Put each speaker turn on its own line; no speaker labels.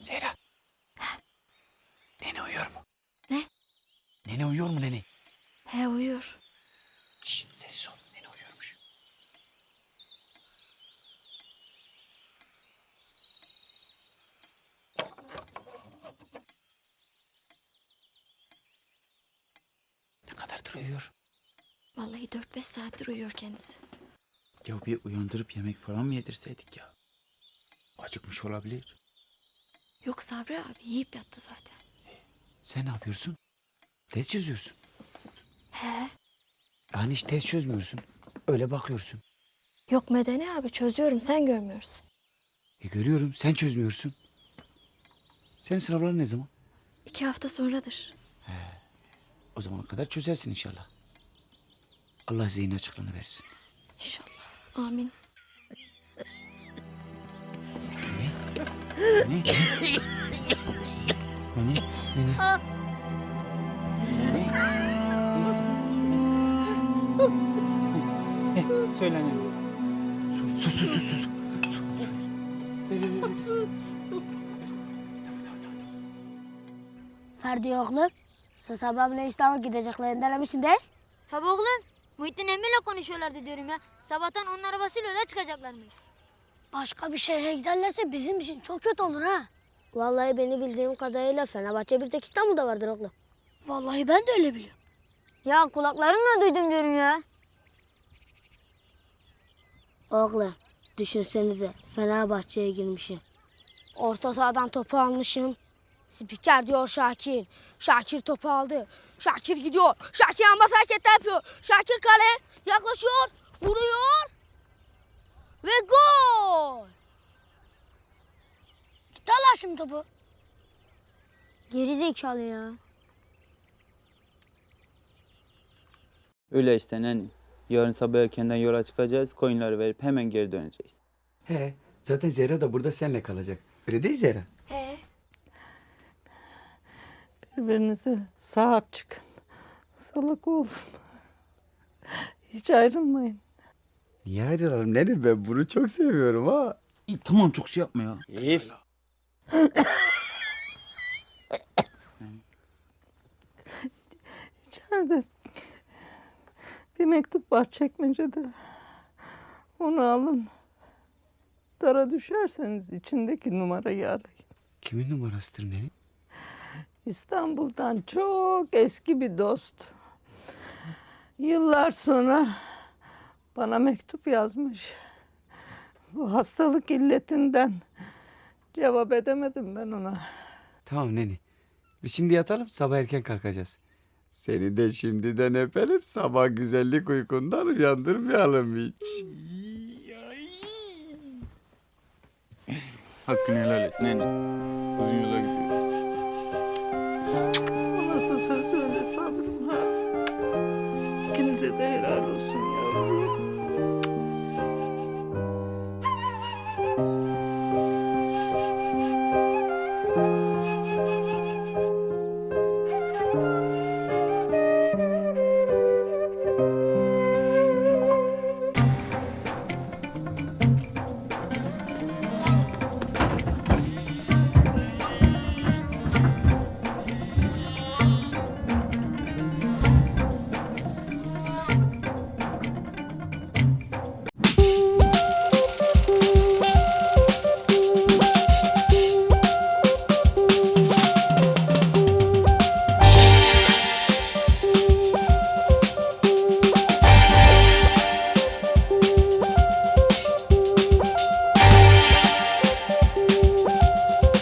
Zehra. Nene uyuyor mu?
Ne?
Nene uyuyor mu nene?
He uyuyor.
Şşt sessiz ol. Nene uyuyormuş. Ne kadardır uyuyor?
Vallahi 4-5 saattir uyuyor kendisi.
Ya bir uyandırıp yemek falan mı yedirseydik ya? Acıkmış olabilir.
Yok Sabri abi yiyip yattı zaten.
Sen ne yapıyorsun? Test çözüyorsun.
He.
Yani hiç test çözmüyorsun. Öyle bakıyorsun.
Yok Medeni abi çözüyorum sen görmüyorsun.
Görüyorum sen çözmüyorsun. Senin sınavların ne zaman?
2 hafta sonradır.
O zamana kadar çözersin inşallah. Allah zihin açıklığını versin.
İnşallah. Amin.
Ne? Ne? Ne? Ne? Söyle ne? Sus.
Ferdi oğlum, sen Sabri abiyle İstanbul'a gideceklerini denemişsin değil?
Tabii oğlum. Muhittin emmiyle konuşuyorlardı diyorum ya. Sabahtan onun arabasıyla yola çıkacaklarmış.
Başka bir şehre giderlerse bizim için çok kötü olur ha. Vallahi beni bildiğim kadarıyla Fenerbahçe bir tek İstanbul'da vardır oğlum. Vallahi ben de öyle biliyorum.
Ya kulaklarımla duydum diyorum ya.
Oğlum, düşünsenize Fenerbahçe'ye girmişim. Orta sahadan topu almışım. Spiker diyor Şakir. Şakir topu aldı. Şakir gidiyor. Şakir ambas hareketler yapıyor. Şakir kale yaklaşıyor. Vuruyor. Ve gol. Gitti Allah şimdi topu.
Geri zekalı ya.
Öyle işte nene. Yarın sabah erkenden yola çıkacağız. Koyunları verip hemen geri döneceğiz.
He, zaten Zehra da burada seninle kalacak. Öyle değil Zehra?
He.
Birbirinize sahip çıkın. Salak olun. Hiç ayrılmayın.
Niye ayrılalım nene? Ben bunu çok seviyorum ha. İyi, tamam çok şey yapma ya.
Elif.
İçeride bir mektup var çekmecede. Onu alın. Dara düşerseniz içindeki numarayı arayın.
Kimin numarasıdır nene?
İstanbul'dan çok eski bir dost. Yıllar sonra bana mektup yazmış. Bu hastalık illetinden cevap edemedim ben ona.
Tamam nene. Biz şimdi yatalım, sabah erken kalkacağız. Seni de şimdiden öperim, sabah güzellik uykundan uyandırmayalım hiç.
Hakkını helal et nene. Uzun yola gidiyoruz.
O nasıl söz öyle sabrım ha? İkinize de helal olsun yavrum.